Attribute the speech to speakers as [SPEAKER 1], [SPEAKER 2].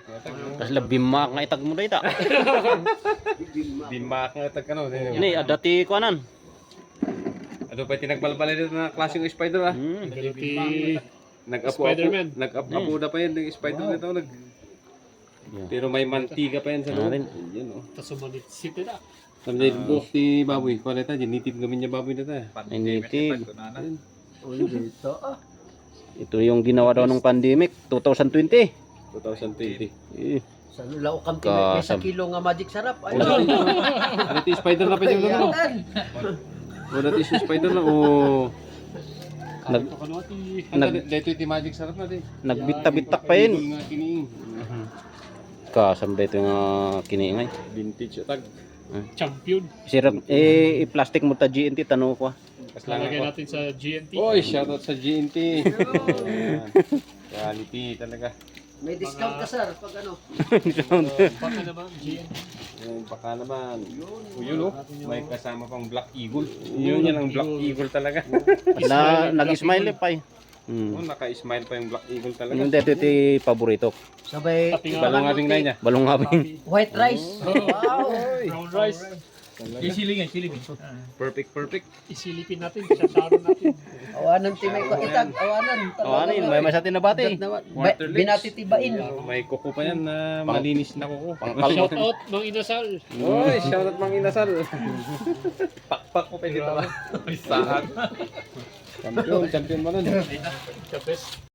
[SPEAKER 1] Kasi bimak nga itag mo dito.
[SPEAKER 2] Bimak nga itag ano.
[SPEAKER 1] Ini ada ti kuanan.
[SPEAKER 2] Ano pa tinagbalbalay dito na klaseng spider ah.
[SPEAKER 3] Spider-Man.
[SPEAKER 2] Nag-apo na pa yan ng spider na ito. Pero may mantiga pa yan sa loob. Yan oh.
[SPEAKER 3] Tapos sumanit city na.
[SPEAKER 2] Sabi niya yung buhok ni baboy. Kung ano ito, nitib kami niya baboy na ito.
[SPEAKER 1] Initib.
[SPEAKER 4] Dito
[SPEAKER 1] Ito yung ginawa daw ng pandemic 2020.
[SPEAKER 2] 2020.
[SPEAKER 1] Eh,
[SPEAKER 4] sa lao kam may sa kilo nga magic sarap. Ay.
[SPEAKER 2] Ano ito yung spider na pa yung ano? O dati yung spider na o... Dito yung magic sarap na din.
[SPEAKER 1] Nagbita-bitak pa yun. Kasam dito yung kiniingay.
[SPEAKER 2] Vintage tag.
[SPEAKER 3] Champion.
[SPEAKER 1] Sirap i-plastic mo ta GNT tanong ko.
[SPEAKER 3] Lalagay natin sa GNT.
[SPEAKER 2] Oy, shoutout sa GNT. Quality talaga.
[SPEAKER 4] May discount ka sir pag ano.
[SPEAKER 3] Baka naman GNT.
[SPEAKER 2] Yung baka naman. Yun oh. May kasama pang Black Eagle. Yun yan ang Black Eagle talaga.
[SPEAKER 1] Nag-smile pa eh.
[SPEAKER 2] Oh, naka-smile pa yung Black Eagle talaga.
[SPEAKER 1] Yung dito iti paborito.
[SPEAKER 4] Sabay
[SPEAKER 2] Balong nga rin na niya.
[SPEAKER 1] Balong ngabing.
[SPEAKER 4] white rice. Wow.
[SPEAKER 3] Brown rice.
[SPEAKER 2] Perfect.
[SPEAKER 3] Isilipin natin. Sasaron natin.
[SPEAKER 4] Awanan ti may itag, awanan.
[SPEAKER 1] Awanin, may masatin na bati.
[SPEAKER 4] Binatitibain.
[SPEAKER 2] May kuko pa yan na malinis na kuko.
[SPEAKER 3] Shout out Mang Inasal.
[SPEAKER 2] Oy, shoutout Mang Inasal. Pakpak ko pa dito ba? Saan? Champion mo nun.
[SPEAKER 3] The best.